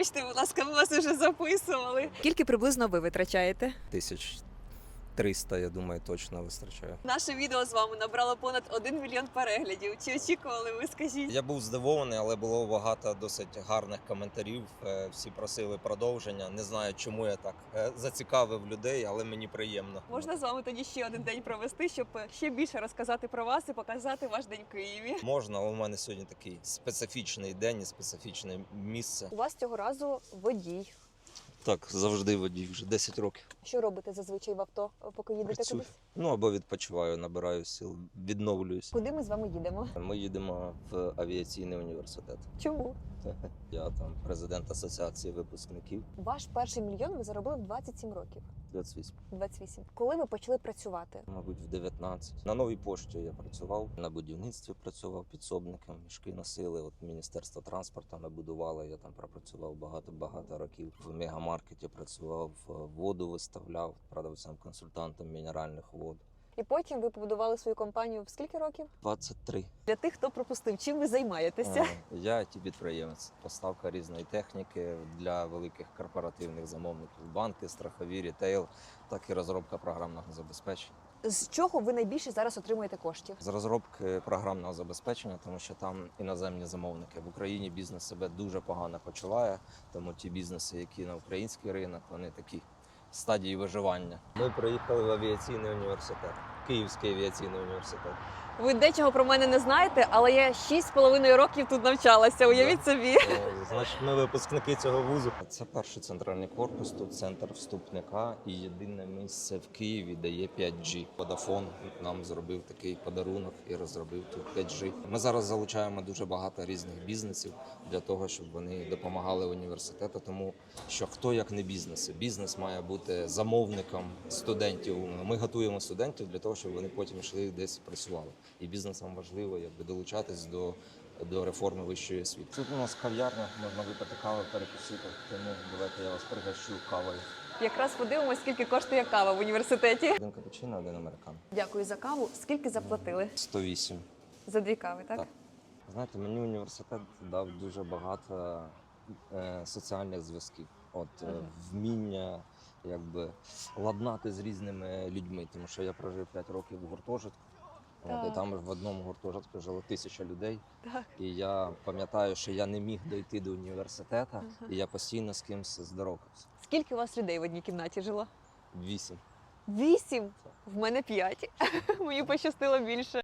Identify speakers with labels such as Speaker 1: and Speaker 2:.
Speaker 1: Вибачте, будь ласка, ми вас вже записували. Скільки приблизно ви витрачаєте?
Speaker 2: 1300, я думаю, точно вистачає.
Speaker 1: Наше відео з вами набрало понад 1 мільйон переглядів. Чи очікували ви, скажіть?
Speaker 2: Я був здивований, але було багато досить гарних коментарів. Всі просили продовження. Не знаю, чому я так зацікавив людей, але мені приємно.
Speaker 1: Можна з вами тоді ще один день провести, щоб ще більше розказати про вас і показати ваш день в Києві?
Speaker 2: Можна, але у мене сьогодні такий специфічний день і специфічне місце.
Speaker 1: У вас цього разу водій.
Speaker 2: Так, завжди водій, вже 10 років.
Speaker 1: Що робите зазвичай в авто, поки їдете
Speaker 2: Працюю.
Speaker 1: кудись?
Speaker 2: Ну або відпочиваю, набираю сил, відновлююсь.
Speaker 1: Куди ми з вами їдемо?
Speaker 2: Ми їдемо в авіаційний університет.
Speaker 1: Чому?
Speaker 2: Я там президент асоціації випускників.
Speaker 1: Ваш перший мільйон ви заробили в 27 років.
Speaker 2: 28.
Speaker 1: 28. Коли ви почали працювати?
Speaker 2: Мабуть, в 19. На новій пошті я працював, на будівництві працював підсобником, мішки носили. От Міністерство транспорту ми будували, я там пропрацював багато років. В мегамаркеті працював, воду виставляв продавцем-консультантом мінеральних вод.
Speaker 1: І потім ви побудували свою компанію в скільки років?
Speaker 2: 23.
Speaker 1: Для тих, хто пропустив, чим ви займаєтеся?
Speaker 2: Я IT-підприємець. Поставка різної техніки для великих корпоративних замовників. Банки, страхові, рітейл, так і розробка програмного забезпечення.
Speaker 1: З чого ви найбільше зараз отримуєте коштів?
Speaker 2: З розробки програмного забезпечення, тому що там іноземні замовники. В Україні бізнес себе дуже погано почуває, тому ті бізнеси, які на український ринок, вони такі в стадії виживання. Ми приїхали в авіаційний університет, Київський авіаційний університет.
Speaker 1: Ви дечого про мене не знаєте, але я 6,5 років тут навчалася, уявіть собі.
Speaker 2: Значить, ми випускники цього вузу. Це перший центральний корпус, тут центр вступника і єдине місце в Києві, де є 5G. Vodafone нам зробив такий подарунок і розробив тут 5G. Ми зараз залучаємо дуже багато різних бізнесів для того, щоб вони допомагали університету, тому що хто як не бізнеси. Бізнес має бути замовником студентів. Ми готуємо студентів для того, щоб вони потім йшли десь працювали. І бізнесам важливо долучатись до реформи вищої освіти. Тут у нас кав'ярня, можна випити каву, перекусити, тому давайте я вас пригощу кавою.
Speaker 1: Якраз подивимось, скільки коштує кава в університеті.
Speaker 2: Один капучино, один американо.
Speaker 1: Дякую за каву. Скільки заплатили?
Speaker 2: 108.
Speaker 1: За 2 кави, так?
Speaker 2: Так. Знаєте, мені університет дав дуже багато соціальних зв'язків. Вміння ладнати з різними людьми, тому що я прожив 5 років в гуртожитку. І там в одному гуртожитку жило 1000 людей.
Speaker 1: Так.
Speaker 2: І я пам'ятаю, що я не міг дойти до університету, і я постійно з кимось здоровкався.
Speaker 1: Скільки у вас людей в одній кімнаті жило?
Speaker 2: 8.
Speaker 1: 8? В мене 5. Мені пощастило більше.